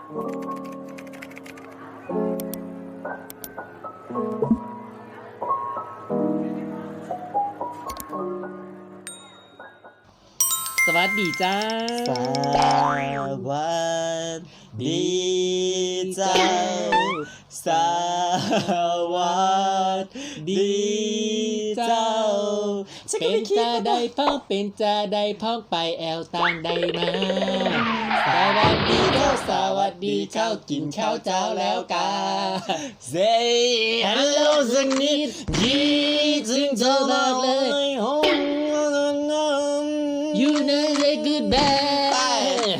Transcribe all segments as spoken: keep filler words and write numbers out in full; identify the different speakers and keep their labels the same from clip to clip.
Speaker 1: สวัสดีจ้า
Speaker 2: สวัสดีเจ้าสวัสดีเจ้า
Speaker 1: เป็นจะได้พ้องเป็นจะได้พ้องไปแอลต่างได้มาสวัสดีเจ้าสวัสดีเจ้ากินข้าวเจ้าแล้วกา
Speaker 2: Say hello สักนิดดีถึงเธอมากเลย
Speaker 1: You know the good bad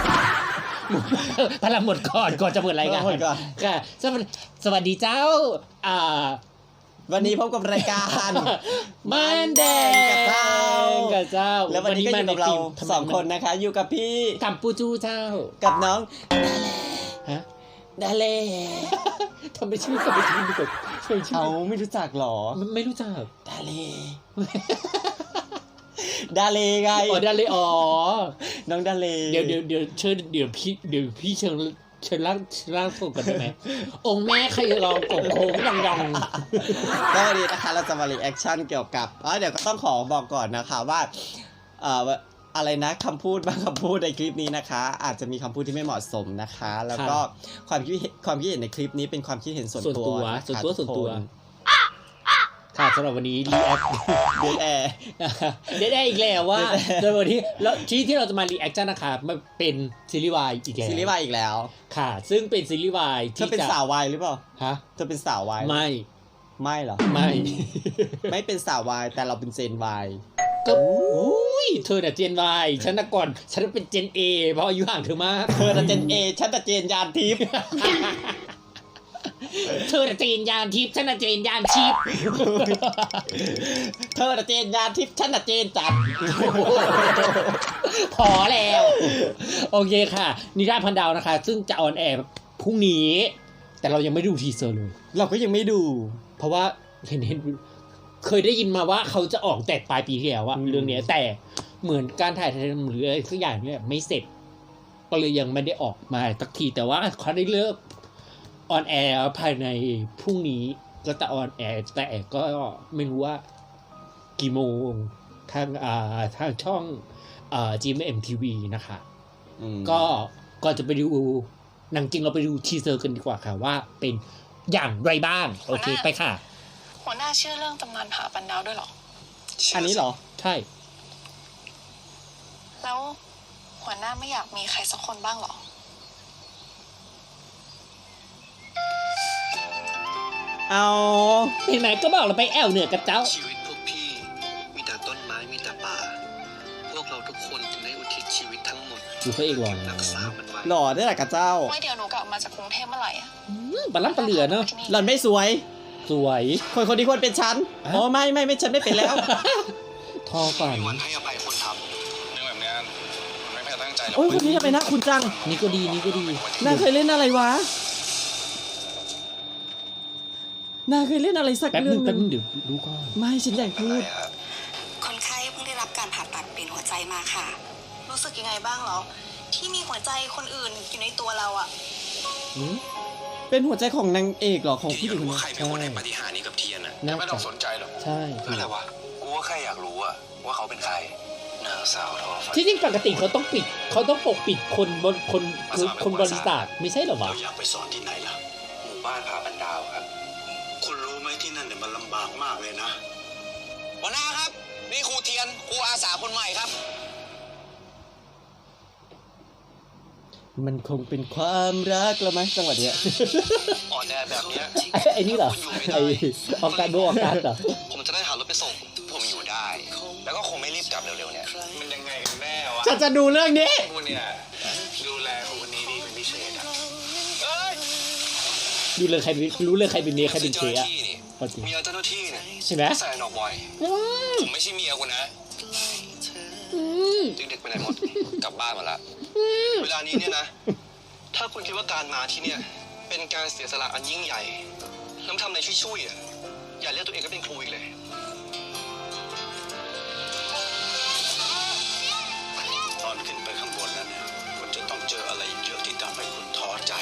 Speaker 1: พลังหมดก่อนก่อนจะเปิดรายการค่ะสวัสดีสวัสดีเจ้าอ่า
Speaker 2: วันนี้พบกับรายการ
Speaker 1: มันแดงกับเจ้ากับเจ้า
Speaker 2: แล้ววันนี้ก็อยู่กับเราสองคนนะคะอยู่กับพี่
Speaker 1: กัมปูจูเจ้า
Speaker 2: กับน้อง
Speaker 1: ฮะ
Speaker 2: ดาเล่
Speaker 1: ทำไมชื่อทำไมชื่อไม่ถูก
Speaker 2: เขาไม่รู้จักหรอ
Speaker 1: ไม่รู้จัก
Speaker 2: ดาเล่ดาเลไง
Speaker 1: อ๋อดาเลอ๋อ
Speaker 2: น้องดาเล
Speaker 1: เดี๋ยวเดี๋ยวเดี๋ยวเชิญเดี๋ยวพี่เดี๋ยวพี่เชิญเชิญร่างร่างส่งกันได้ไหมองค์แม่ใครลองกบโค้งยองยอง
Speaker 2: ก็วันนี้นะคะเราจะมารีแอคชั่นเกี่ยวกับอ๋อเดี๋ยวก็ต้องขอบอกก่อนนะคะว่าเอ่ออะไรนะคำพูดบางคำพูดในคลิปนี้นะคะอาจจะมีคำพูดที่ไม่เหมาะสมนะคะแล้วก็ความคิดความคิดเห็นในคลิปนี้เป็นความคิดเห็นส่วนตัว
Speaker 1: ส่วนตัวส่วนตัวค่ะสำหรับวันนี้รีแอค
Speaker 2: เดดแอร์
Speaker 1: เดดแอร์อีกแล้วว่าโดยวันนี้แล้วที่ที่เราจะมารีแอคชั่นนะคะมันเป็นซีรีส์วายอีกแล้ว
Speaker 2: ซีรีส์วายอีกแล้ว
Speaker 1: ค่ะซึ่งเป็นซีรีส์วาย
Speaker 2: ที่จะเป็นสาววายหรือเปล่า
Speaker 1: ฮะ
Speaker 2: เธอเป็นสาววาย
Speaker 1: ไม่
Speaker 2: ไม่เหรอ
Speaker 1: ไม่
Speaker 2: ไม่เป็นสาววายแต่เราเป็นเจนวาย
Speaker 1: ก็อุ้ยเธอน่ะเจนวายฉันน่ะก่อนฉันเป็นเจนเอเพราะอายุห่างเธอมาก
Speaker 2: เธอน่ะเจนเอฉันน่ะเจนยานทิพย์
Speaker 1: เธอน่ะเจนยานทิพย์ฉันน่ะเจนยานชิพ
Speaker 2: เธอน่ะเจนยานทิพย์ฉันน่ะเจนจัด
Speaker 1: พอแล้วโอเคค่ะนิราพันดาวนะคะซึ่งจะออนแอร์พรุ่งนี้แต่เรายังไม่ดูทีเซอร์เลย
Speaker 2: เราก็ยังไม่ดู
Speaker 1: เพราะว่าเห็นเห็นเคยได้ยินมาว่าเขาจะออกแต่ปลายปีที่แล้วอะเรื่องนี้แต่เหมือนการถ่ายทำหรืออะไรสักอย่างเนี่ยไม่เสร็จก็เลยยังไม่ได้ออกมาสักทีแต่ว่าเขาได้เลิกออนแอร์ภายในพรุ่งนี้ก็จะออนแอร์แต่ก็ไม่รู้ว่ากี่โมงทางอ่าทางช่องอ่า จี เอ็ม เอ็ม ที วี นะคะก็ก่อนจะไปดูหนังจริงเราไปดูทีเซอร์กันดีกว่าค่ะว่าเป็นอย่างไรบ้างโอเคไปค่ะ
Speaker 3: หัวหน้าเชื่อเรื่องตำนานผาปันดาวด้วยหรอ
Speaker 2: อันนี้เหรอ
Speaker 1: ใช่
Speaker 3: แล้วหัวหน้าไม่อยากมีใครสักคนบ้างหรอ
Speaker 2: เอา
Speaker 1: ไหนๆก็บอกเราไปแอวเหนือกับเจ้า
Speaker 4: ชีวิตพวกพี่มีแต่ต้นไม้มีแต่ป่าพวกเราทุกคนถึงได้อุทิศชีวิตทั้งหมด
Speaker 1: ดูพระเอกหล่อนะ
Speaker 2: หล่อได้แหละกับเจ้า
Speaker 3: ไม่เดี๋ยวหนูกลับมาจากกรุงเทพเมื่อไหร่อ่ะ
Speaker 1: บัลลังก์ปลาเหลือเนาะ
Speaker 2: หล่อนไม่สวย
Speaker 1: สวย
Speaker 2: คนคนที่ควรเป็นฉันอ๋อไม่ไม่ไม่ฉันไม่เป็นแล้ว
Speaker 1: ทอก่อน
Speaker 4: วันให้อภัยคนทำเรื่องแบบนี้มันไม่แพ้ตั้งใจหรอก
Speaker 2: โอ้ยคนนี้ทำไมนะคุณจัง
Speaker 1: นี่ก็ดีนี่ก็ดี
Speaker 2: นางเคยเล่นอะไรวะนางเคยเล่นอะไรสักเรื่องนึง
Speaker 1: เดี๋ยวดูก่อน
Speaker 2: ไม่ฉันอยากพูด
Speaker 5: คนไข้เพิ่งได้รับการผ่าตัดเปลี่ยนหัวใจมาค่ะ
Speaker 3: รู้สึกยังไงบ้างเหรอที่มีหัวใจคนอื่นอยู่ในตัวเราอ่ะ
Speaker 2: เป็นหัวใจของนางเอกเหรอของผู้หญิงคน
Speaker 4: นี้ใครเป็นคนให้ปฏิหารนี้กับเทียนอ่ะไม่ต้องสนใจหรอก
Speaker 1: ใช่
Speaker 4: อะไรวะกูว่าแค่อยากรู้อะว่าเขาเป็นใครนางสาวทอฝัน
Speaker 1: ที่จริงปกติเขาต้องปิดเขาต้องปกปิดคนบนคนคนบริษัทไม่ใช่หรอวะ
Speaker 4: เราอยากไปสอนที่ไหนล่ะหมู่บ้านผาปันดาวครับคุณรู้ไหมที่นั่นเนี่ยมันลำบากมากเลยนะหัวหน้าครับนี่ครูเทียนครูอาสาคนใหม่ครับ
Speaker 2: มันคงเป็นความรักแล้วไหมจังหวะเนี้ย
Speaker 4: อ่อนแอแบบนี้
Speaker 1: ไอ้นี่เหรอไอ้ออกการโบออกการเหรอ
Speaker 4: ผมจะได้หารถไปส่งผมอยู่ได้แล้วก็คงไม่รีบกลับเร็วๆเนี่ยมันยังไงกันแน่วะ
Speaker 2: ฉันจะดูเรื่องนี้
Speaker 4: คุณเนี่ยดูแลคนนี้ดีเป็นพิเศษอ่ะ
Speaker 1: ดูเลยใครรู้เลยใครเป็นเมียใครเป็นเจ๊อะ
Speaker 4: เมียเจ้าหน้าที่เนี่ย
Speaker 1: ใช่ไหม
Speaker 4: ใส่หนอกบ่อยผมไม่ใช่เมียคุณนะเด็กๆไปไหนหมดกลับบ้านหมดละเวลานี้เนี่ยนะถ้าคุณคิดว่าการมาที่เนี่ยเป็นการเสียสละอันยิ่งใหญ่น้ำทำในช่วยๆอ่ะอย่าเรียกตัวเองก็เป็นครูอีกเลยตอนขึ้นไปข้างบนนั้นเนี่ยคุณจะต้องเจออะไรเยอะที่ทำให้คุณท้อใจ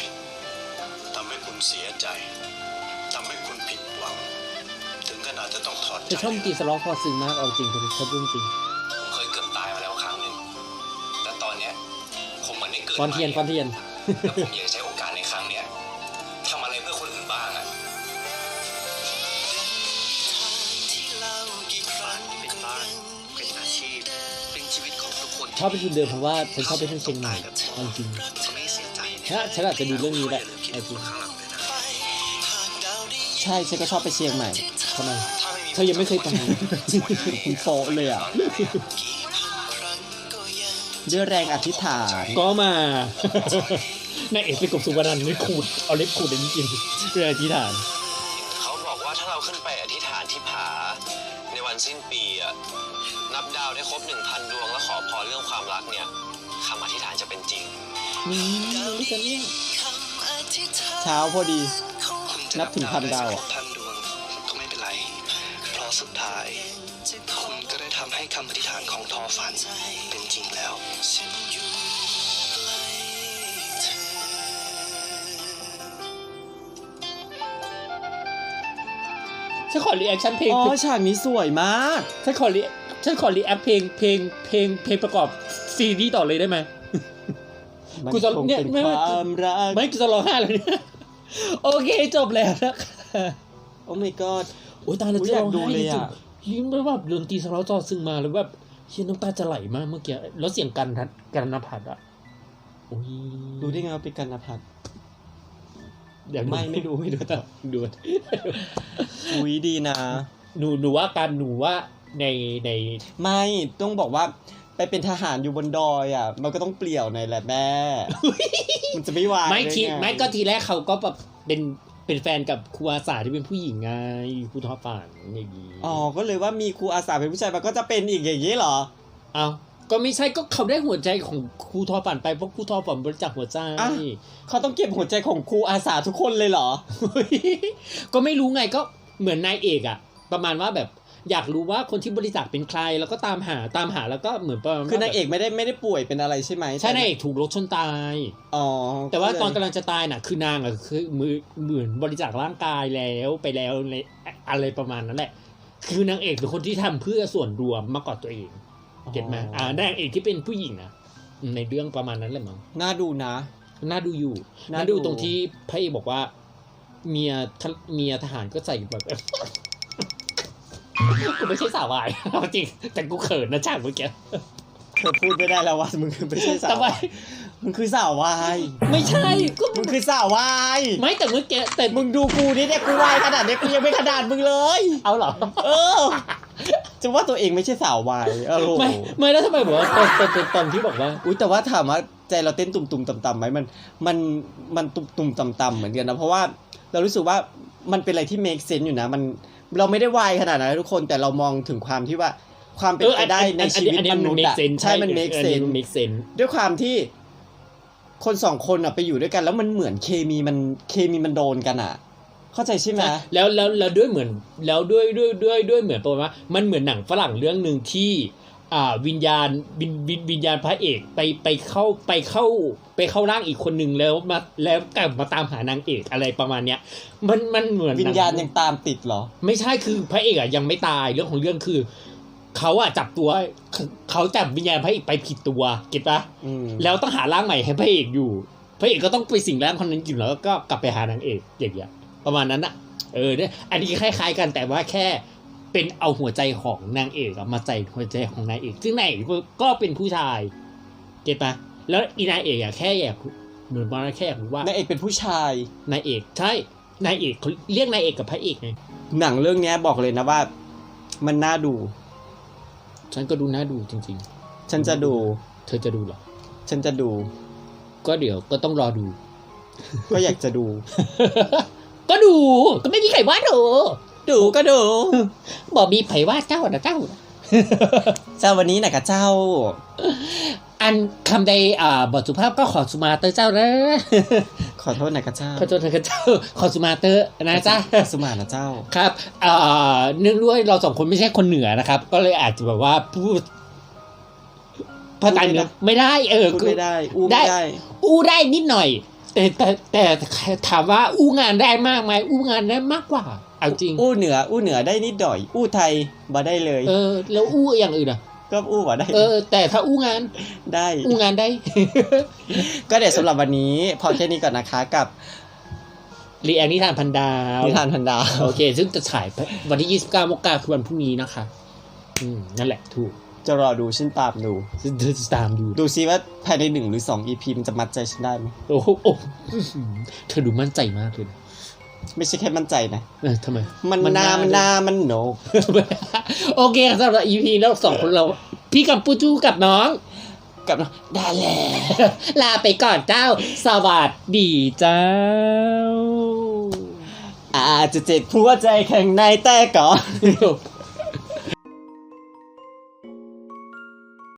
Speaker 4: เสียใจทำให้คุณผิดหวังถึงขนาดจะต้องถอดใจ
Speaker 1: จะชอบตีสล็อกพอซึ้งมากเอาจริงผมชอบเรื่องจริง
Speaker 4: ผมเคยเกือบตายมาแล้วครั้งหนึ่งและตอนเนี้ยผมเหมือนได้เกิด
Speaker 1: ฟอนเทียนฟอนเทียน
Speaker 4: แล้วผมอยากใช้โอกาสในครั้งเนี้ยทำอะไรเพื่อคนอื่นบ้างอะเป็นบ้านเป็นอาชีพเป็นชีวิตของทุกคน
Speaker 1: ชอบเป็นทุนเดิมเพราะว่าฉันชอบไปที่เชียงใหม่เอาจริง
Speaker 4: จะไม่เสียใจ
Speaker 1: ถ้าฉันอาจจะดูเรื่องนี้แหละเอาจริง
Speaker 4: ข้างหลังเลยนะ
Speaker 2: ใช่ฉันก็ชอบไปเชียงใหม่
Speaker 1: ทำไม
Speaker 4: ถ้าไม่มี
Speaker 1: เธอยังไม่เคยไป
Speaker 2: คุณโฟเลยอ่ะด้วยแรงอธิษฐาน
Speaker 1: ก็มา นายเอกไปกบสุวรรณนี่ขูดเอาเล็บขูดอันนี้กินเพื่ออธิษฐาน
Speaker 4: เขาบอกว่าถ้าเราขึ้นไปอธิษฐานที่ผาในวันสิ้นปีอะนับดาวได้ครบหนึ่งพันดวงแล้วขอพรเรื่องความรักเนี่ยคำอธิษฐานจะเป็นจริง
Speaker 1: นี่นี่กันเนี่ย
Speaker 2: เช้าพอดี
Speaker 4: คุณจะ
Speaker 2: นับถึงพันดาวอะ
Speaker 4: พันดวงก็ไม่เป็นไร เพราะสุดท้ายคุณก็ได้ทำให้คำอธิษฐานของทอฝันเป็นจริงแล้ว
Speaker 1: ฉันขอรีแอคชั่นเพลง
Speaker 2: อ๋อฉากนี้สวยมาก
Speaker 1: ฉันขอรีฉันขอรีแอคเพลงเพลงเพลงเพลงประกอบซีรีส์ต่อเลยได้ไหม
Speaker 2: มัน
Speaker 1: กูจะ
Speaker 2: คง
Speaker 1: เนี่ย
Speaker 2: เป็น
Speaker 1: ไม่
Speaker 2: ความรัก
Speaker 1: ไม่กูจะร้องไห้เลยเนี่ยโอเคจบแล้วนะคะ
Speaker 2: โอ้ my god
Speaker 1: โอ้ยตายแล้ว
Speaker 2: อุ๊ย
Speaker 1: จะ
Speaker 2: อยา
Speaker 1: ร้
Speaker 2: ก
Speaker 1: อง
Speaker 2: ดู
Speaker 1: ไห้
Speaker 2: เลย
Speaker 1: จริง
Speaker 2: อะ
Speaker 1: ๆยิ้มแล้วแบบดนตรีสโลว์จอซึ้งมาแล้วแบบเฮียน้ำตาจะไหลมากเมื่อกี้แล้วเสียงกันทัดกันนภัทรอ่ะโอ้ย
Speaker 2: ดูได้ไงว่าเป็นกันนภัทร
Speaker 1: เดี๋ยว
Speaker 2: ไม่ไม่ดูไม่ดู
Speaker 1: ต่อดู
Speaker 2: อุ้ยดีนะ
Speaker 1: หนูหนูว่าการหนูว่าในใน
Speaker 2: ไม่ต้องบอกว่าไปเป็นทหารอยู่บนดอยอ่ะ มันก็ต้องเปลี่ยวหน่อยแหละแม่ มันจะไม่ไหว
Speaker 1: ไม่ที
Speaker 2: ด้ง
Speaker 1: ไม่ก็ทีแรกเขาก็แบบเป็นเป็นแฟนกับครูอาสาที่เป็นผู้หญิงไงครูทอฝันอย่างนี้
Speaker 2: อ๋อก็เลยว่ามีครูอาสาเป็นผู้ชายมันก็จะเป็นอีกอย่างนี้เหรอ
Speaker 1: เอาก็ไม่ใช่ก็เขาได้หัวใจของครูทอฝันไปเพราะครูทอฝันบริจาคหัวใจ
Speaker 2: อ่ะ เขาต้องเก็บหัวใจของครูอาสาทุกคนเลยเหรอ
Speaker 1: ก็ไม่รู้ไงก็เหมือนนายเอกอะประมาณว่าแบบอยากรู้ว่าคนที่บริจาคเป็นใครแล้วก็ตามหาตามหาแล้วก็เหมือนประมาณ
Speaker 2: คือนางเอกไม่ได้ไม่ได้ป่วยเป็นอะไรใช่ไหม
Speaker 1: ใช่นายเอกถูกรถชนตาย
Speaker 2: อ๋อ
Speaker 1: แต่ว่าตอน
Speaker 2: ก็เลย
Speaker 1: กำลังจะตายน่ะคือนางอะคือมือเหมือนบริจาคร่างกายแล้วไปแล้วในอะไรประมาณนั้นแหละ คือนางเอกเป็นคนที่ทำเพื่อส่วนรวมมากกว่าตัวเองเก็ตไหมอ่านางเอกที่เป็นผู้หญิงนะในเรื่องประมาณนั้นแหละมั้ง
Speaker 2: น่าดูนะ
Speaker 1: น่าดูอยู่
Speaker 2: น่า
Speaker 1: น่า
Speaker 2: ดู
Speaker 1: ดูตรงที่พระเอกบอกว่า เมียทะเมียทหารก็ใส่แบบ กูไม่ใช่สาววาย เอาจริง แต่กูเขินนะฉากเมื่อกี้
Speaker 2: เธอพูดไม่ได้แล้วว่ามึงคือไม่ใช่สาว
Speaker 1: ทำไม
Speaker 2: มึงคือสาววาย
Speaker 1: ไม่ใช่ก็
Speaker 2: มึงคือสาววาย
Speaker 1: ไม่แต่เมื่อกี้แต่
Speaker 2: มึงดูกูนี่เนี่ยกูวายขนาดนี้กูยังไม่ขนาดมึงเลย
Speaker 1: เอาเหรอ
Speaker 2: เออ จะว่าตัวเองไม่ใช่สาววายเออโห
Speaker 1: ไม่ไม่แล้วทำไมบอกว่าตอนตอนตอนตอนที่บอกว่า
Speaker 2: อุ้ยแต่ว่าถามว่าใจเราเต้นตุ่มๆต่ำๆไหมมันมันมันตุ่มๆต่ำๆเหมือนกันนะเพราะว่าเรารู้สึกว่ามันเป็นอะไรที่ make sense อยู่นะมันเราไม่ได้วายขนาดนั้นนะทุกคนแต่เรามองถึงความที่ว่าความเป็น
Speaker 1: เออ
Speaker 2: ไป
Speaker 1: อัน
Speaker 2: ได้
Speaker 1: อัน
Speaker 2: ใน
Speaker 1: อัน
Speaker 2: ชีวิต
Speaker 1: อันนี้
Speaker 2: ม
Speaker 1: มัน
Speaker 2: นุษย์
Speaker 1: make
Speaker 2: อะ
Speaker 1: sense
Speaker 2: ใช่มัน make
Speaker 1: อันนี้
Speaker 2: sense
Speaker 1: มัน make sense
Speaker 2: ด้วยความที่คนสองคนอะไปอยู่ด้วยกันแล้วมันเหมือนเคมีมันเคมีมันโดนกันอะเข้าใจใช่ไหม
Speaker 1: แล้วแล้วแล้วด้วยเหมือนแล้วด้วยด้วยด้วยด้วยเหมือนประมาณว่ามันเหมือนหนังฝรั่งเรื่องหนึ่งที่อ่าวิญญาณวิญวิญวิญญาณพระเอกไปไปเข้าไปเข้าไปเข้าร่างอีกคนหนึ่งแล้วมาแล้วกลับมาตามหานางเอกอะไรประมาณเนี้ยมันมันเหมือน
Speaker 2: วิญญาณยังตามติดเหรอ
Speaker 1: ไม่ใช่คือพระเอกอะยังไม่ตายเรื่องของเรื่องคือเขาอะจับตัวเขาจับวิญญาณพระเอกไปผิดตัวเก็ตปะ
Speaker 2: อืม
Speaker 1: แล้วต้องหาร่างใหม่ให้พระเอกอยู่พระเอกก็ต้องไปสิงร่างคนนั้นอยู่แล้วก็กลับไปหานางเอกอย่างเงี้ยประมาณนั้นอะเออเนี่ยอันนี้คล้ายๆกันแต่ว่าแค่เป็นเอาหัวใจของนางเอกอะมาใส่หัวใจของนายเอกซึ่งนายเอกก็เป็นผู้ชายเก็ตปะแล้วอีนายเอกอะแค่อยากเหมือนว่าแค่อยากรู้ว่าน
Speaker 2: ายเอกเป็นผู้ชาย
Speaker 1: นายเอกใช่นายเอกเขาเรียกนายเอกกับพระเอกไง
Speaker 2: หนังเรื่องนี้บอกเลยนะว่า มันน่าดู
Speaker 1: ฉันก็ดูน่าดูจริง
Speaker 2: ฉันจะดู
Speaker 1: ๆ เธอจะดูเหรอ
Speaker 2: ฉันจะดู
Speaker 1: ก็เดี๋ยวก็ต้องรอดู
Speaker 2: ก็อยากจะดู
Speaker 1: ก็ดูก็ไม่มีใครว่าดู
Speaker 2: ดูก็ดู
Speaker 1: บอกมีไผว่าเจ้านะเจ้า
Speaker 2: เจ้าวันนี้นะกะเจ้า
Speaker 1: อันคำใดอ่าบทสุภาพก็ขอสุมาเตอร์เจ้านะ
Speaker 2: ขอโทษนะกะเจ้า
Speaker 1: ขอโทษนะเจ้าขอสุมาเตอร์นะจ๊ะ
Speaker 2: สุมานะเจ้า
Speaker 1: ครับอ่าเนื่องด้วยเราสองคนไม่ใช่คนเหนือนะครับ ก็เลยอาจจะแบบว่าพูดภาษาเหนือไม่ได้เออ
Speaker 2: พูดไม่ได้ อู้
Speaker 1: ได้
Speaker 2: ไม่ได้
Speaker 1: อู้ได้นิดหน่อยแต่แต่แต่ถามว่าอู้งานได้มากไหมอู้งานได้มากกว่าเอาจริง
Speaker 2: อู้เหนืออู้เหนือได้นิดหน่อย อู้ไทยบ่ได้เลย
Speaker 1: เออ แล้วอู้อย่างอื่นอ่ะ
Speaker 2: ก็อู้บ่ได้
Speaker 1: เออ แต่ถ้าอู้งาน
Speaker 2: ได้
Speaker 1: อู้งานได้
Speaker 2: ก็เดี๋ยวสำหรับวันนี้พอแค่นี้ก่อนนะคะกับ
Speaker 1: รีแอคนิทานพันดาว
Speaker 2: นิทานพันดาว
Speaker 1: โอเค ซึ่งจะฉายวันที่ยี่สิบเก้ามกราคมคือวันพรุ่งนี้นะคะ อืม นั่นแหละ ถูก
Speaker 2: จะรอดูฉันตามดู
Speaker 1: เธอจะตามดู
Speaker 2: ดูซิว่าภายในหนึ่งหรือสอง อี พี มันจะมัดใจฉันได้ไหม
Speaker 1: โอ้โหโอ้อื้อหือเธอดูมั่นใจมากเลยนะ
Speaker 2: ไม่ใช่แค่มั่นใจนะ
Speaker 1: เออทำไม
Speaker 2: มัน
Speaker 1: มัน
Speaker 2: นา
Speaker 1: น่า
Speaker 2: มันนามันโหนก
Speaker 1: โอเคสำหรับ อี พี แล้วสองคนเรา พี่กัมปูจูกับน้อง
Speaker 2: กับน้องได้แล้ว
Speaker 1: ลาไปก่อนเจ้า สวัสดีเจ้า
Speaker 2: อาจจะเจ็บหัวใจข้างในแต่ก่อน